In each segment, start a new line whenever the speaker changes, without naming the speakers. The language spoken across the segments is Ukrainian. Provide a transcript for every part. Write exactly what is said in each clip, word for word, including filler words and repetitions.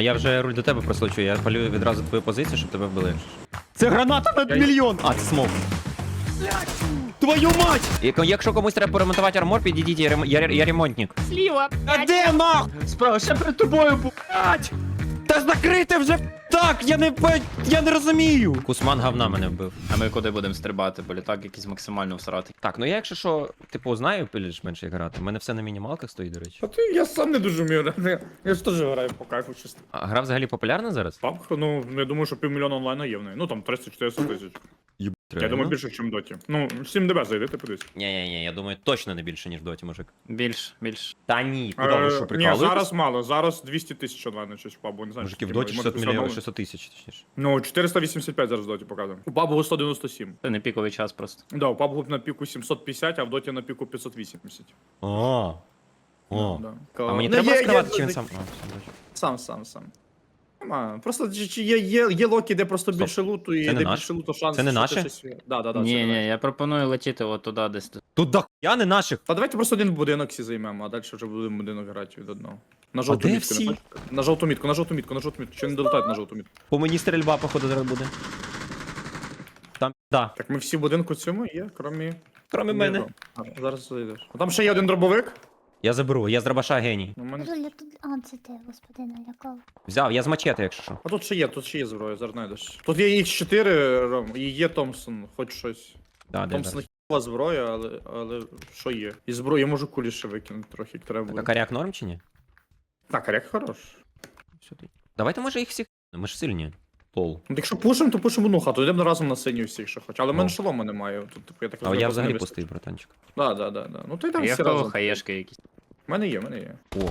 А я вже руль до тебе прослучу, я палю відразу твою позицію, щоб тебе вбили. Це граната на мільйон! А, це смок. Твою мать! І якщо комусь треба поремонтувати армор, підійдіть, я, рем... я, я ремонтник.
Сліва.
А де нах?
Справа, ще перед тобою, блядь.
Та закрити вже так, я не по- я не розумію. Кусман говна мене вбив.
А ми куди будемо стрибати, бо літак якийсь максимально всратий.
Так, ну я якщо що, типу, знаю більш-менш як грати. У мене все на мінімалках стоїть, до речі.
А ти, я сам не дуже вмію грати. Я ж теж граю по кайфу чисто.
А гра взагалі популярна зараз?
Папка, ну, я думаю, що півмільйона онлайна є в неї. Ну там триста-чотириста тисяч.
Єб,
Я думаю, більше, ніж в доті. Ну, сім ДБ зайди, ти подивись.
Ні-ні-ні, я думаю, точно не більше, ніж в доті, мужик.
Більш, більш.
Та ні, куди ви що,
Ні,
прикалуєтесь?
зараз мало, зараз двісті тисяч онлайна щось в пабу, не знаю.
Мужики, в
скільки,
доті
може,
шістсот мільйонів,
оновлено.
шістсот тисяч, точніше.
Ну, чотириста вісімдесят п'ять зараз в доті показує. У пабу сто дев'яносто сім.
Це не піковий час просто.
Да, у пабу на піку сімсот п'ятдесят, а в доті на піку п'ятсот вісімдесят.
О, о.
Да.
А мені
Ну,
треба
є-
розкривати,
є-
чи він сам? А, все, бачу.
Сам, сам, сам. Нема. Просто чи- чи є, є, є локи, де просто
Стоп.
більше луту, і
Це не
де
наш?
більше луту шанс.
Це не
що ти
наше?
щось- Да, да, да, це
Ні,
не
ні,
наше.
я пропоную летіти от туди десь.
Тут дохуя не наших.
Та давайте просто один будинок всі займемо, а далі вже будемо будинок грати від одного. На жовту
де
мітку,
всі?
не бачите? На жовту мітку, на жовту мітку, на жовту мітку. Чи не долетають на жовту мітку?
По мені стрільба, походу, зараз буде. Там, да.
Так ми всі в будинку цьому є, крім...
Кроме мене.
Зараз зайдеш. А там ще є один дробовик.
Я заберу, я з дробаша геній.
У мене...
Жуля, тут... А, це ти, господи, налякав.
Взяв, я з мачете, якщо що.
А тут ще є, тут ще є зброя, зараз знайдеш. Тут є ікс чотири, Ром, і є Томпсон, хоч щось.
Да, де
Томпсон
зараз.
хіба зброя, але, але що є? І зброю я можу кулі ще викинути трохи, як треба
Так, а
буде.
коряк норм чи ні?
Так, а як хорош.
Сюди. Давайте, може, їх всіх. Ми ж сильні. Лол.
Ну, якщо пушимо, то пушимо одну хату, йдемо разом на синю всіх, що хоч. Але в мене
Ну.
шолома немає. Тут, типу, я так
А
розумію,
я
просто
взагалі
не
пустий, братанчик.
Да, да, да, да. Ну то йдемо
Є в
всі
кого
разом.
хаєшки якісь.
У мене є, в мене є.
О,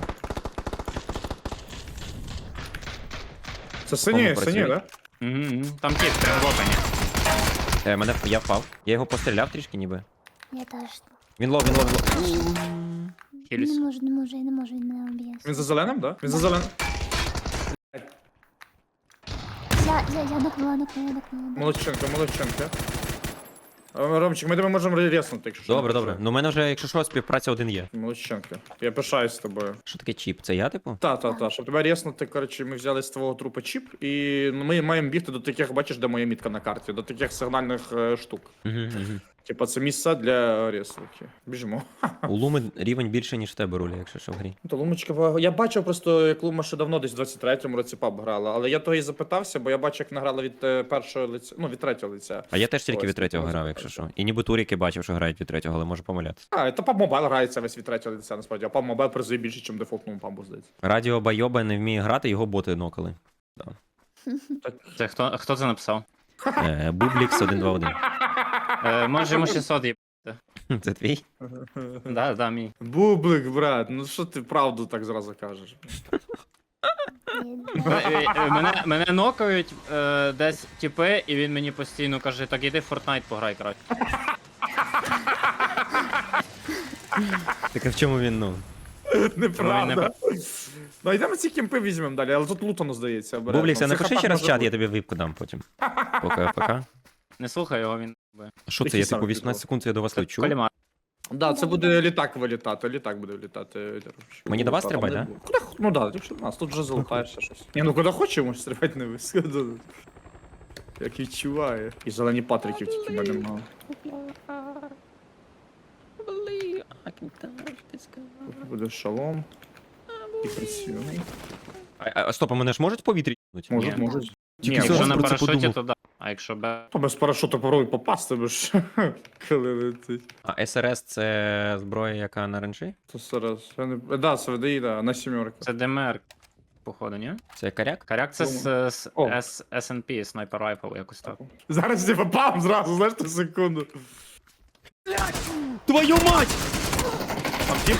Це сині,
Кому
сині,
працює?
да?
Угу, там тіп, прям в опені.
е, мене, я впав. Я його постріляв трішки ніби.
Я теж.
Він лов, він лов, він лов.
Хіліс.
Не можу, не можу, я не можу, він мене об'є.
Він за зеленим, да? Він за зеленим.
Я, я, я докнула, докнула, докнула.
Молодчинка, молодчинка. А, Ромчик, ми тебе можемо резнути, якщо що.
Добре,
не
добре. Ну, у мене вже, якщо що, співпраця один є.
Молодчинка. Я пишаюсь з тобою.
Що таке чіп? Це я, типу?
Та, та, та. Щоб тебе резнути, коротше, ми взяли з твого трупа чіп, і ми маємо бігти до таких, бачиш, де моя мітка на карті, до таких сигнальних е, штук.
Угу, угу.
Типа це місця для реслики. Біжимо.
У Луми рівень більше, ніж в тебе руля, якщо що в грі.
Ну, то Лумочка, ва- я бачив просто, як Лума ще давно, десь в двадцять третьому році паб грала, але я того і запитався, бо я бачив, як награла від е, першого лиця, ну, від третього лиця.
А я теж тільки
Ось,
від третього
ось,
грав,
ось,
якщо
ось.
що. І ніби туріки бачив, що грають від третього, але можу помилятися.
А, то паб мобайл грається весь від третього лиця, насправді, а паб мобайл призує більше, ніж дефолтному пабу, здається.
Радіо Байоба не вміє грати, його боти нокали.
Це хто, хто це написав?
Е, Бублікс один два один.
Е, може йому шістсот є.
Це твій?
Да, да, мій.
Бублик, брат, ну що ти правду так зразу кажеш?
Е, е, Мене, мене нокають е, десь тіпи, і він мені постійно каже, так іди в Fortnite пограй краще.
Так а в чому він, ну?
Неправда. Ну, йдемо ці кемпи візьмемо далі, але тут лутано, здається. обережно.
Бублікс, а
В цих
напиши
хатах
ще раз
може
чат, я
бути.
тобі випку дам потім. Пока, пока.
Не слухай його, він.
А що це,
Який
я
сам
типу
підвал?
вісімнадцять секунд я до вас лечу?
Колімар.
Да, це буде літак вилітати, літак буде вилітати.
Мені до вас
Там
стрибать,
не
да?
буде. Куди, х- ну да, якщо до нас, тут вже залутаєшся щось. Ні, ну куди хочемо, стрибати не висходу. Як відчуває. І зелені патриків тільки в мене мало. Тут буде шалом. І працюємо.
А, а стоп, а мене ж можуть в повітрі їбнуть?
Можуть,
Ні.
можуть.
Ні,
Тільки
якщо
зараз
на
про це
парашуті,
подумав.
то да. А якщо без...
То без парашуту попробуй попасти, бо ж коли летить.
А СРС це зброя, яка на ренжі?
То зараз. Я не... Да, це ВДІ, да, на сімерку.
Це ДМР, походу, ні?
Це коряк?
Коряк це з, з
О.
S- ес ен пі, Sniper Rifle, якось так.
Зараз я попав зразу, знаєш, ту секунду.
Твою мать!
Там тіп?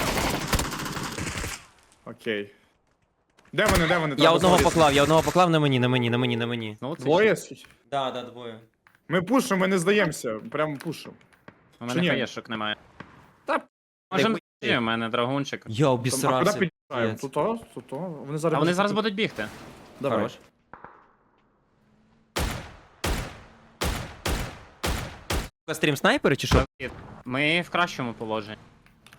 Окей. Де вони, де вони?
Я
Треба
одного
залізти.
поклав, я одного поклав на мені, на мені, на мені, на мені.
Ну, це
Двоє?
Да, да, двоє.
Ми пушимо, ми не здаємося. Прямо пушимо.
У
Чи
мене
ні?
хаєшок немає.
Та,
Можем
ти
йти, у мене драгунчик.
Я
Там, а куди
обісрався.
під'їжджаємо? Тут, о, тут, о. Вони зараз
А вони
будуть-
зараз будуть бігти.
Давай.
Хорош. Стрім снайпери чи що?
Ми в кращому положенні.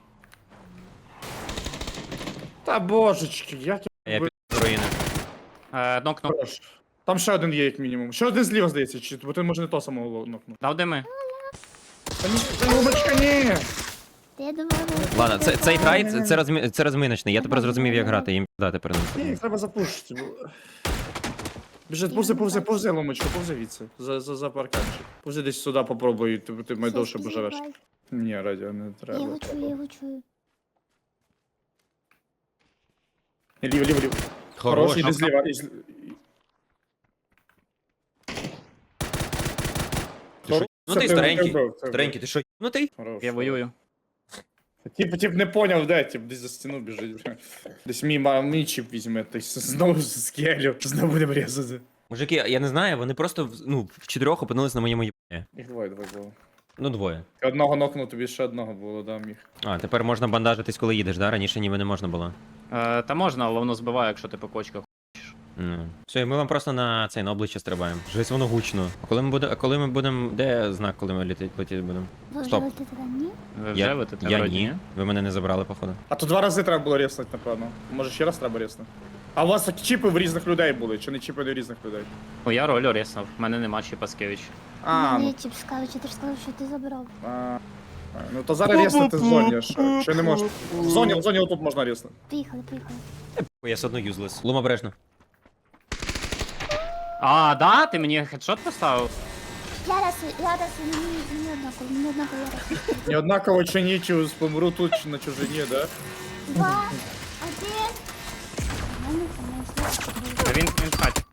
Та божечки, як я...
Я під руїни.
Е, нокнув.
Хорош. Там ще один є, як мінімум. Ще один зліва, здається, чи бо ти може не то самого нокнув.
Дав дими.
Та ні, та Ломочка, ні!
Та я думала, ви-
Ладно, це, цей грай, це, це, розмі... це розминочний. Я тепер зрозумів, як грати, їм дати переносити.
Ні, їх треба запушити. бо- Біжи, повзи, повзи, повзи, Ломочка, повзи відси. За, за, за парканчик. Повзи десь сюди попробуй, ти, ти майдовше
Все,
поживеш.
співай.
Ні, радіо не
Я
треба.
його чую, я його чую.
Ліво, ліво, ліво. Хорош, іди зліва. і зл- Хорош.
Ну ти
Це
старенький.
вбив, це
Старенький, ти що, ну ти?
Хорош.
Я воюю.
Тип, тип не поняв, де, тип десь за стіну біжить. Десь мій, ма- мій чіп візьме, то есть знову з скелю, знову будемо різати.
Мужики, я не знаю, вони просто в- ну, в чотирьох опинились на моєму їбані.
Їх двоє, двоє було.
Ну, двоє.
Одного нокнув, тобі ще одного було, да, міг.
А, тепер можна бандажитись, коли їдеш, да? Раніше ніби не можна було.
Е, та можна, але воно збиває, якщо ти по кочках.
Ну. Все, і ми вам просто на цей на обличчя стрибаємо. Жесть, воно гучно. А коли ми будемо. А коли ми будемо. Де знак, коли ми летіти летіти будемо?
Ви
Стоп.
живете туди, ні?
Ви вже
Я,
ви тут
я
вроді,
ні. Ви мене не забрали, походу.
А то два рази треба було резнути, напевно. Може ще раз треба резнути. А у вас так чіпи в різних людей були, чи не чіпи в різних людей?
Ну я роль оріснув, в мене нема чи Паскевич.
А,
Мене
ну,
чіп скажуть, ти ж сказав, що ти забрав.
а, а, ну то зараз резнути в зоні, що, що не можеш. В зоні, в зоні отут можна резнути.
Поїхали, поїхали.
Ой, я все одно юзлес. Лума обережно.
А, да? Ти мені хедшот поставив?
Я раз, я раз, мені, мені однаково, мені однаково я раз.
Не однаково чи нічого, помру тут чи на чужині, да?
Два, один. У мене там не
Та він, він в хаті.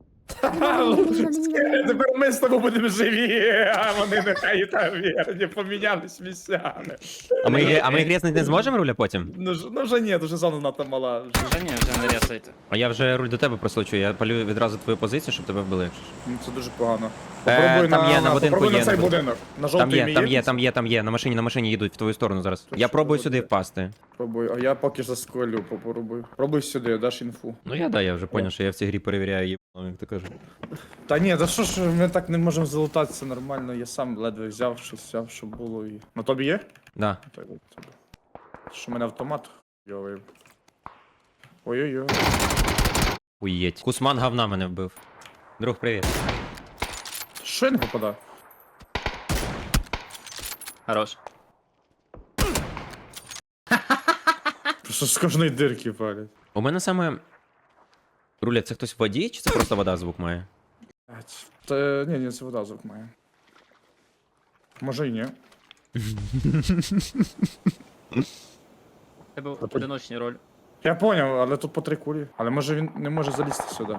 Тепер ми з тобою будемо живі, а вони нехай там вірні, помінялись місцями.
А ми, грі- а ми грізнути не зможемо руля потім?
Ну, ж- ну вже ні, вже зона надто мала. Вже.
Вже ні, вже не рясайте.
А я вже руль до тебе прослучу, я палю відразу твою позицію, щоб тебе вбили. якщо що.
Ну, це дуже погано.
Е, там є, на будинку
попробуй
є,
на цей
на
будинок. На
Там
жовтий
є,
мій
там є, там є, там є. На машині, на машині їдуть в твою сторону зараз.
То
Я
що
пробую
буде?
сюди впасти.
Пробуй, а я поки засколю, попробуй. Пробуй сюди, даш інфу.
Ну я да, я вже поняв, що я в цій грі перевіряю їбану, як ти кажеш.
Та ні, та що ж ми так не можемо залутатися нормально, я сам ледве взяв, щось взяв, що було і. На тобі є?
Да.
Так, от тобі. Що в мене автомат йовий. Ой-ой-ой.
Уєть. Кусман говна мене вбив. Друг, привіт.
Що я не попадав?
Хорош.
Просто з кожної дирки палять.
У мене саме. Руля, це хтось в воді, чи це просто вода звук має?
Блядь. Та ні, ні, це вода звук має. Може і ні.
Тебе одиночний роль.
Я поняв, але тут по три кулі. Але може він не може залізти сюди.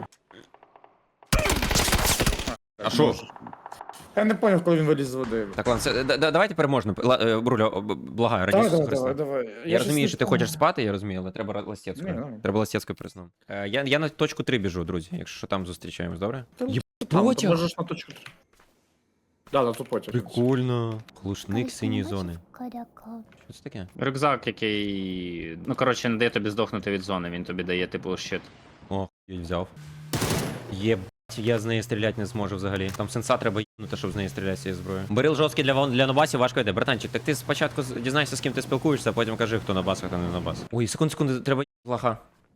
А що?
може. Я не поняв, коли він виліз з води.
Так, ладно, це, да, да, давайте переможно. Ла- е, Руля, о, б- благаю, раді
Давай,
Ісуса
давай,
Христа.
давай, давай.
Я розумію,
щось
що ти
не
хочеш
помню.
спати, я розумію, але треба ластєцькою.
Ні, давай.
Треба ластєцькою приснув. Е, я, я на точку три біжу, друзі, якщо що там зустрічаємось, добре?
Та
Є-
Там,
потяг.
ти можеш на точку. Да, да, тут потяг.
Прикольно. Глушник синьої
Бачиш,
зони.
Коряка.
Що це таке?
Рюкзак, який. Ну, коротше, не дає тобі здохнути від зони, він тобі дає, типу, щит.
О, я взяв. Єбать, я з неї стріляти не зможу взагалі. Там сенса треба їбнути, щоб з неї стріляти з цієї зброї. Берил жорсткий для, вон- для нобасів важко йде. Братанчик, так ти спочатку з- дізнайся, з ким ти спілкуєшся, а потім кажи, хто набас, а хто не набас. Ой, секунду, секунду, треба лаха.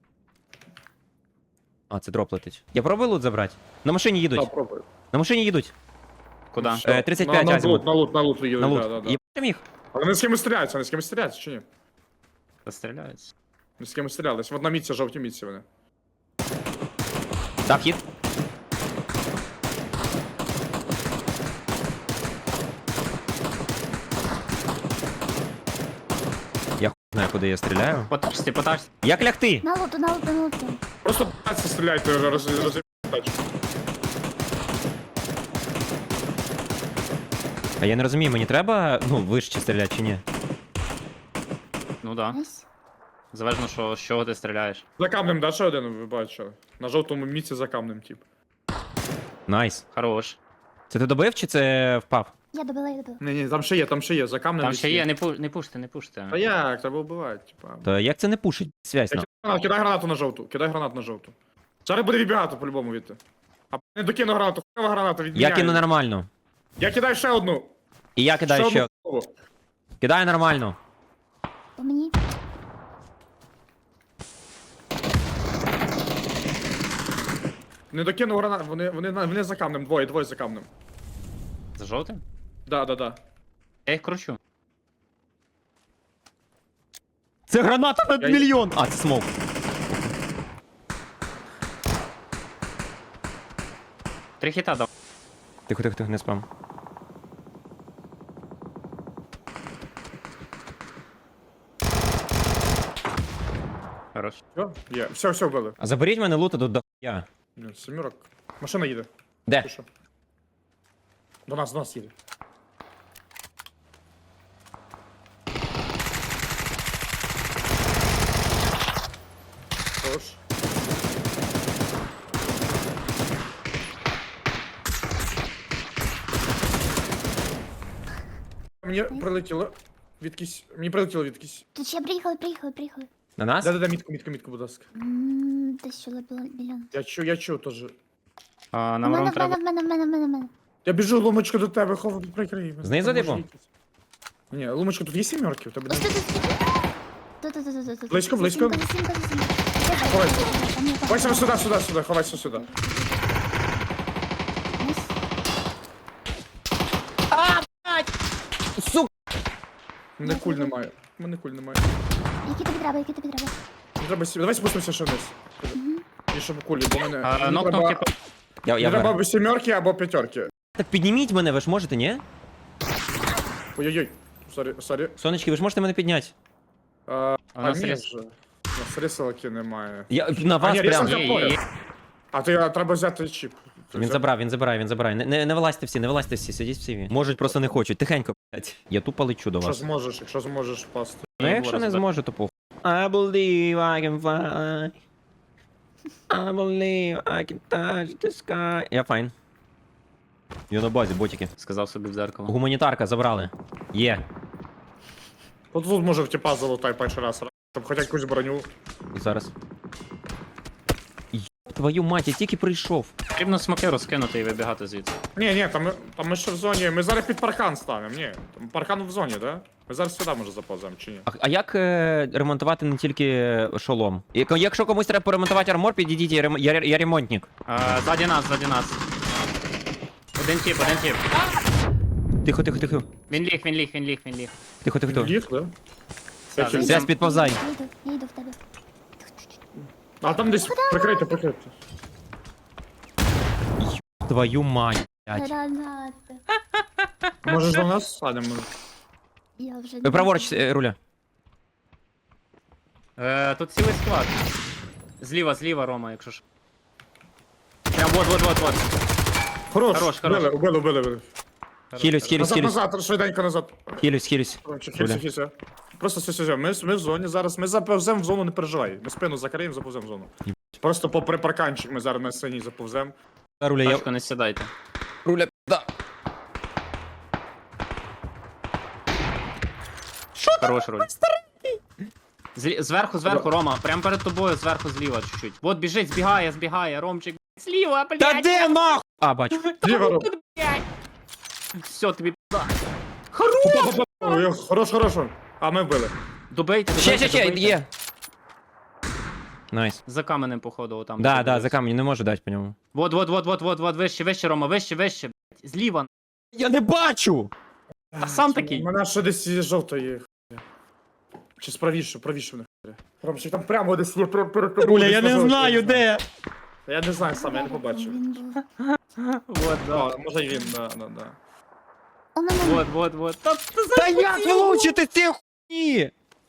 А, це дроп летить. Я пробую лут забрати? На машині їдуть.
Да, пробуй.
На машині їдуть.
Куди?
Е, тридцять п'ять
на, на
азимут.
лут, на лут, на лут, їдуть,
На лут.
да, да, да.
Єбать їх.
Але вони з кимось стріляються, вони з кимось стріляються, чи ні?
Застріляється.
Вони з кимось стрілялись. В одній мітці, жовтій мітці вони.
Так, хід. Я хуй знаю, куди я стріляю.
Потачці, потачці.
Як лягти?
На луту, на луту, на луту.
Просто пальці стріляйте, роз, роз, роз, тачку.
А я не розумію, мені треба, ну, вище стріляти чи ні?
Ну да.
Найс.
Залежно, що, з чого ти стріляєш.
За камнем, да, ще один, ви бачили? На жовтому місці за камнем, тип.
Найс.
Хорош.
Це ти добив чи це впав?
Я добила, я добила.
Ні, ні, там ще є, там ще є, за камнем.
Там
десь
ще є, не, пу... не пуште, не пуште.
Та як, треба вбивати, типа.
Та як це не пушить? Связь
Я
нам.
кидай гранату, кидай гранату на жовту, кидай гранату на жовту. Зараз буде відбігати по-любому відти. А не докину гранату, хуйова граната
Я
відміняє.
кину нормально.
Я кидаю ще одну.
І я кидаю ще.
одну голову.
Кидаю нормально.
По мені.
Не докинув гранат, вони, вони, на- вони за камнем, двоє, двоє за камнем.
За жовтим?
Да, да, да.
Я їх кручу.
Це граната на
Я-
мільйон! А, це смок.
Три хіта дав.
Тихо, тихо, тихо, не спам.
Хорош.
Все, є. Все, все вбили.
А заберіть мене лута до дохуя.
Ні, Семірок. Машина їде.
Де?
Ти що? До нас, до нас їде. Хорош. Мені прилетіло відкись. Мені прилетіло відкись.
Тут ще приїхали, приїхали, приїхали.
На нас?
Да-да-да, мітку, мітку, мітку, будь ласка.
М, Десь сюди було мільйон.
Я чую, я чую теж.
А,
У
нам
мене,
ром
в
треба.
мене, в мене, в мене, в мене, в мене.
Я біжу, ломочка до тебе, хов, прикрий. мене.
Знизу,
Там може
типу?
якийсь. Ні, ломочка, тут є сімерки? У тебе
Ось
не...
тут, ось тут. Тут, тут, тут, тут, тут.
Близько, близько.
Сімка, сімка, сімка.
Ховайся.
Там є, там
Ховайся
є.
сюди, сюди, сюди, ховайся сюди.
Ось.
Сука!
Мене куль немає. Мене куль немає.
Які тобі треба, які тобі треба?
Не треба сім... Давай спустимося ще вниз. І щоб кулі, бо мене...
А,
Мені
нокнув,
треба...
типу.
Я,
Мені
я
треба
вверх.
або сімерки, або п'ятерки.
Так підніміть мене, ви ж можете, ні?
Ой-ой-ой. Сорі, сорі.
Сонечки, ви ж можете мене підняти.
А,
А
а
у нас
ні
рез-
вже. У нас рисалки немає.
Я на вас
ні,
прям.
різанка-
Є, є, є.
А ти а, треба взяти чіп. Ти
Він
взяв?
забрав, він забирає, він забирає. Не, не, не вилазьте всі, не вилазьте всі, сидіть всі. Можуть, просто не хочуть. Тихенько, блядь. Я тупо лечу до
Якщо
вас.
зможеш, якщо зможеш пасти.
Ну
Ні,
якщо
було
не
розбито.
зможу, то похуй. I believe I can fly. I believe I can touch the sky. Я файн. Я на базі, ботики.
Сказав собі в зеркало.
Гуманітарка забрали. Є.
От тут може в тіпа залутай перший раз, щоб хоча якусь броню.
Зараз. Йоп, твою мать, я тільки прийшов.
Потрібно смоки розкинути і вибігати звідси.
Ні, ні, там ми, там ми ще в зоні. Ми зараз під паркан станемо, ні. Там паркан в зоні, да? Ми зараз сюди може заповземо, чи ні?
А, а як е, ремонтувати не тільки шолом? Як- Якщо комусь треба поремонтувати армор, підійдіть, я, рем- я, я ремонтник.
А, ззаді нас, ззаді нас. Один тіп, один тіп.
Тихо, тихо, тихо.
Він ліг, він ліг, він ліг, він ліг.
Тихо, тихо, тихо.
Ліг, да?
Так,
Чи-
Связь, підповзай.
Я йду, я йду в тебе.
А там десь прикрийте, прикрийте.
Твою мать, блядь.
Гранати.
Можеш до нас садимо?
Я вже
Ви праворуч, е, руля.
Е, тут цілий склад. Зліва, зліва, Рома, якщо ж. Прям вот, вот, вот, вот.
Хорош,
Хорош, хорош.
Убили, убили, убили, убили.
Хілюсь, хілюсь,
Назад,
хілюсь.
назад, швиденько назад.
Хілюсь, хілюсь.
Короче,
Руля.
хілься, хілься. Просто все, все, все. Ми, ми в зоні зараз. Ми заповземо в зону, не переживай. Ми спину закриємо, заповземо в зону. Просто попри парканчик ми зараз на синій заповземо.
Руля, я...
Тачку не сідайте.
Руля, да.
Хорош руль. Злі... Зверху, зверху, Рома, прям перед тобою, зверху, зліва чуть-чуть. Вот біжить, збігає, збігає, Ромчик. Зліва, блядь.
Та де нах? А, бачу.
Ліва роб.
Все, тобі пизда.
Ой, Хорош, хорош. А ми вбили.
Добейте, добейте,
Ще, ще, ще,
добейте.
є. Найс.
За каменем, походу, отам.
Да, да, за камінь, не можу дати по ньому.
Вот, вот, вот, вот, вот, вот, вище, вище, Рома, вище, вище. блядь. Зліва.
Я не бачу!
А сам такий.
У мене ще десь є жовтої. Чи справіше, правіше в них. Ромчик, там прямо десь є перед перед тобою.
Руля,
десь
я
на
не
жовтій,
знаю,
знаю.
де.
Я не знаю сам, я не побачив.
Він був.
Вот, да.
А, може й він, да, да, да.
У мене
Вот, вот, вот. Та, та, за-
Та як влучити ці хуйні?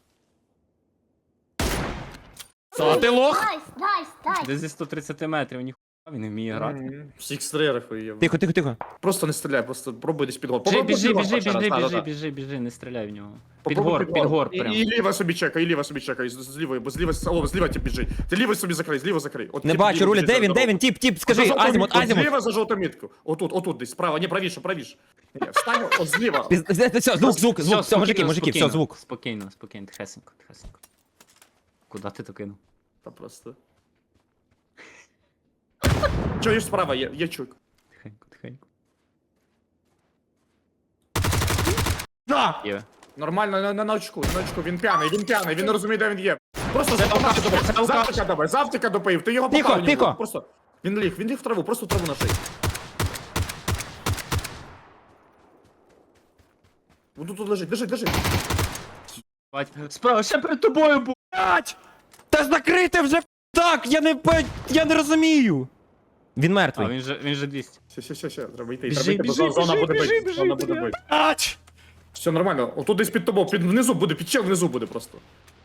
А ти лох?
Найс, найс, найс.
Десь зі сто тридцять метрів, ніхуя він не вміє грати.
Мгм. Всіх стрілях є.
Тихо, тихо, тихо.
Просто не стріляй, просто пробуй десь під гор.
Біжи,
Попробуй
біжи,
під гор
біжи,
перший
біжи,
раз, да,
біжи,
да, да.
біжи, біжи, не стріляй в нього. Під
Попробуй
гор, під гор
І,
прям.
і ліва собі чекай, і ліва собі чекай, з- зліва, бо зліва, о, зліва ті біжить. Ти ліва собі закрий, зліва закрий. От
Не
тіп
бачу,
ліва
Руля,
біжить
де
за
він, де
дорогу.
він? Тіп, тіп,
За
скажи,
жовту
азімут,
мітку,
азімут.
Зліва за жовту мітку. Отут, отут десь, справа, ні, правіше, правіше. Ні, встань, от зліва.
Піз- Все, звук, звук, звук, все, мужики,
спокійно,
мужики, все,
спокійно,
звук.
Спокійно, спокійно, тихесенько, тихесенько. Куда ти то кинув?
Та просто. Чуєш справа, є, є чук.
Тихенько, тихенько.
Да!
Є.
Нормально, на, на, на очку, на очку, він п'яний, він п'яний, він не розуміє, де він є. Просто
Це алкаш,
завтика
це алкаш.
допоїв, завтика добив, завтика допоїв, ти його
Тихо,
попав в нього.
тихо.
Просто, Він ліг, він ліг в траву, просто в траву на шиї. Вон тут тут лежить, лежить, лежить.
Бать, справа, ще перед тобою був.
Блять! Та закрити вже так! Я не пе- я не розумію! Він
А,
мертвий.
він же, він же двісті.
Все, все, все, все, треба йти.
Біжи,
Треба йти, бо
біжи,
зона
біжи,
буде
біжи,
бити.
біжи,
Зона буде
біжи.
бити.
Ач!
Все нормально, отут десь під тобою, під внизу буде, під чел внизу буде просто.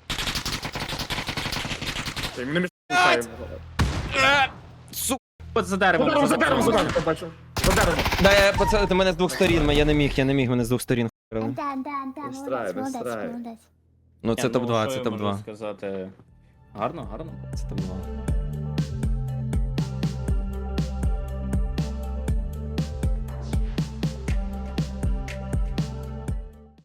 Та й ми не мішаємо.
Су...
От за
За
деревом.
деревом, за деревом, за деревом, бачу. За деревом.
Да, я, пацани, ти мене з двох сторін, я не міг, я не міг, мене з двох сторін хуярили.
Да, да, да,
Без
молодець,
страйв, без
молодець,
страйв.
молодець.
Ну це
Ні,
топ два,
що
це
я
топ
можу
два.
сказати? Гарно, гарно.
Це топ два.